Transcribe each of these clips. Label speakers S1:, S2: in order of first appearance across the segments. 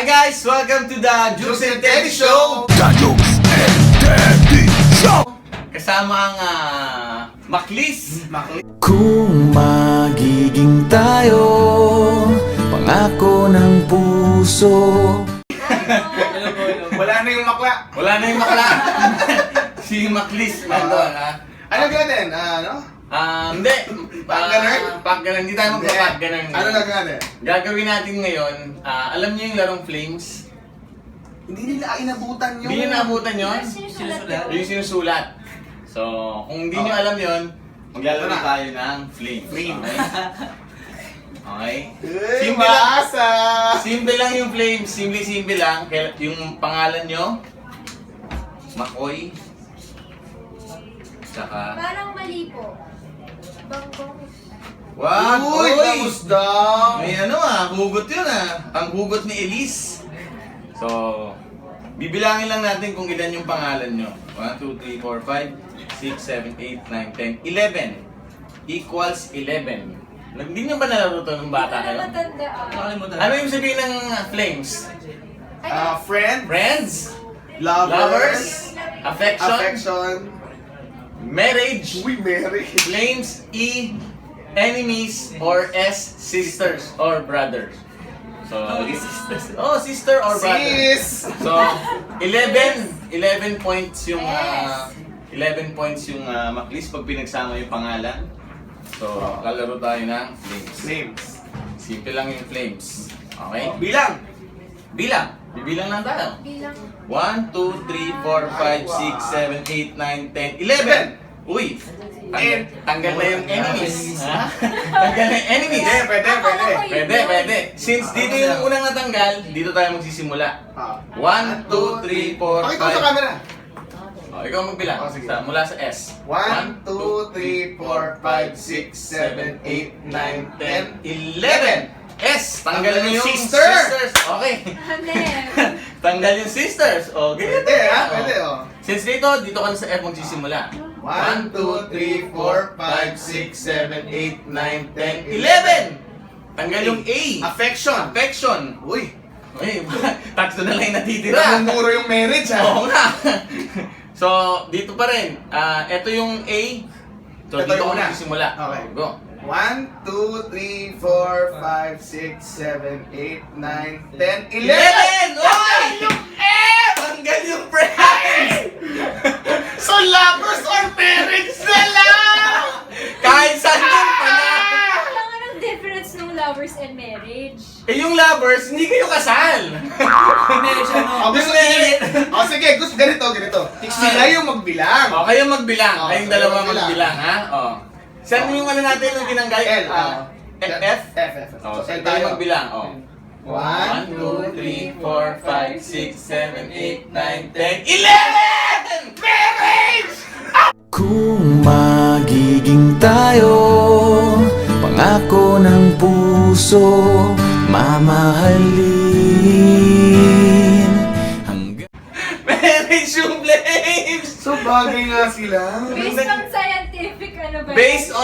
S1: Hi guys! Welcome to the Jukes and Teddy Show!
S2: The Jukes and Teddy Show!
S1: Kasama ang Maklis.
S2: Kung magiging tayo, pangako ng puso.
S3: Wala na yung makla.
S1: Wala na yung makla. Si Maklis nandun, ha?
S3: Ano gano'n? Ano?
S1: Hindi.
S3: Pag-ganun?
S1: Pag-ganun. Hindi tayo magpapag-ganun.
S3: Ano na gano'n?
S1: Gagawin natin ngayon, alam niyo yung larong Flames?
S3: Hindi nila inabutan yung...
S1: Hindi niyo naabutan yun?
S4: Sinusulat.
S1: Yung sinusulat. So, kung hindi niyo alam yun, maglalaro
S3: Ito na.
S1: tayo ng Flames.
S3: Flames.
S1: Okay?
S3: Simple lang.
S1: Simple lang yung Flames. Simple lang. Yung pangalan nyo, Makoy. Tsaka...
S4: Parang mali po. Banggong.
S1: Wag!
S3: Uy, bangus daw.
S1: May hugot yun Ang hugot ni Elise. So, bibilangin lang natin kung ilan yung pangalan nyo. 1, 2, 3, 4, 5, 6, 7, 8, 9, 10, 11. Equals 11. Hindi nyo ba nalaro to nung bata
S4: Hindi ko
S1: kayo?
S4: na matandaan.
S1: Ano yung sabihin ng Flames?
S3: Friend,
S1: Friends?
S3: lovers,
S1: Affection?
S3: affection,
S1: Marriage?
S3: uy, Mary.
S1: Flames? E? Enemies? Or S? Sisters or brothers? So, sister or brother.
S3: Sis!
S1: So, 11 points yung 11 points yung Maklis pag pinagsama yung pangalan. So, lalaro tayo ng Flames.
S3: Names.
S1: Simple lang yung Flames. Okay?
S3: Bilang.
S1: Bilang. Bibilang lang tayo.
S4: Bilang.
S1: 1, 2, 3, 4, 5, 6, 7, 8, 9, 10, 11! Uy! Tanggal na yung enemies. Ha? Tanggal na yung enemies. Pwede. Since dito yung unang natanggal, dito tayo magsisimula. 1, 2, 3, 4, 5.
S3: Pakita mo sa camera.
S1: Oh, ikaw magbilang.
S3: Oh, sige.
S1: Mula sa S.
S3: 1, 2, 3, 4, 5, 6, 7, 8, 9, 10, 11!
S1: S! Tanggal mo yung
S3: Sister!
S1: sisters. Okay.
S4: Ano?
S1: Tanggal yung sisters. Okay.
S3: Pwede ha, pwede oh.
S1: Since dito ka na sa F magsisimula.
S3: 1, 2, 3, 4, 5, 6, 7, 8, 9, 10,
S1: 11! Tanggal yung A.
S3: Affection.
S1: Affection.
S3: Uy,
S1: Uy, tatlo na lang yung natitira.
S3: namumuro yung marriage ha.
S1: Oo nga. So, dito pa rin. Ito yung A. So,
S3: Ito
S1: dito
S3: yung
S1: ka
S3: una.
S1: magsisimula.
S3: Okay.
S1: Go.
S3: 1, 2, 3, 4, 5, 6, 7, 8, 9, 10, 11!
S1: 11! Oy! Tanggal yung friends!
S3: So lovers or marriage na lang!
S1: Kahit saan yung pala.
S4: Wala nga ng difference ng lovers and marriage.
S1: Eh yung lovers, hindi kayo kasal.
S3: Sige, gusto ganito. Sila yung magbilang.
S1: O, kayo magbilang.
S3: Oh,
S1: Kayong
S3: kayo
S1: dalawa
S3: magbilang.
S1: magbilang, ha? O. Saan yung natin yung tinanggal?
S3: L.
S1: F?
S3: F.
S1: O,
S3: So,
S1: saan
S3: L
S1: tayo
S3: tayo.
S1: magbilang? O.
S3: 1,
S1: 1, 2, 3, 4, 5, 6, 7, 8, 9, 10, 11! Marriage!
S2: Kung magiging tayo, pangako ng puso, mamahalin hanggang...
S1: Marriage yung Flames!
S3: So bagay nga sila.
S4: Based on scientific, ano ba?
S1: Based on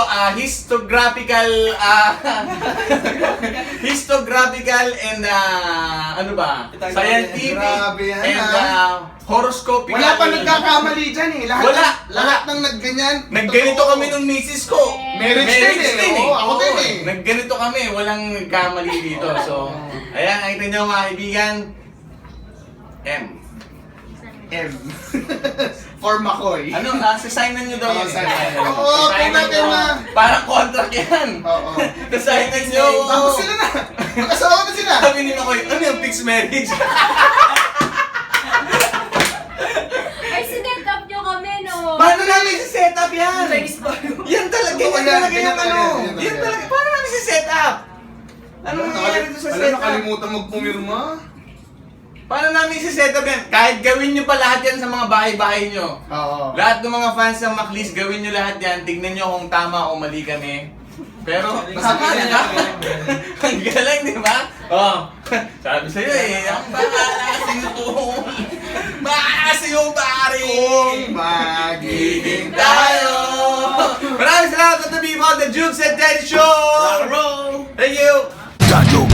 S1: histographical and ano ba? Scientific
S3: Grabe yan,
S1: and horoscopical.
S3: Wala pa nagkakamali dyan eh. Lahat ng nagganyan.
S1: Nagganito kami nung misis ko.
S3: Marriage din eh. Oo, ako din eh.
S1: Nagganito kami, walang nagkamali dito. So, ayan, nakita niyo mga kaibigan. M.
S3: M. For Makoy.
S1: Ano, sasignan niyo daw
S3: Oo,
S1: yan.
S3: sign.
S1: Ano,
S3: Oo,
S1: sasignan
S3: tingnan
S1: niyo.
S3: na.
S1: Parang contract yan.
S3: Oo.
S1: Sasignan niyo.
S3: Tapos sila na. Magkasawa na sila.
S1: Sabi ni Makoy, ano yung fixed marriage?
S4: Ay, sinet up nyo kami, no?
S1: Paano namin si-set up yan? Yan talaga,
S3: Oo,
S1: yan
S3: yan,
S1: talaga
S3: yan
S1: yung
S3: talaga,
S1: ano.
S3: yan talaga.
S1: Yan talaga, paano namin si-set up? Anong nangyayari doon sa set up?
S3: Nakalimutan magpumirma.
S1: Paano namin si-set up yan? Kahit gawin nyo pa lahat yan sa mga bahay-bahay nyo.
S3: Oo.
S1: Lahat ng mga fans ng Maklis, gawin nyo lahat yan. Tignan nyo kung tama o mali kami. Pero, tama
S3: Sabi
S1: na.
S3: niya.
S1: Ang galing, di ba? Oh, sabi sa'yo eh, ang bakasing tool. Bakasing yung pari.
S3: Kung magiging
S1: Tayo! Maraming salamat sa tabi mo, The Jukes and Teddy Show!
S2: Rock and roll!
S1: Thank you!
S2: The Jukes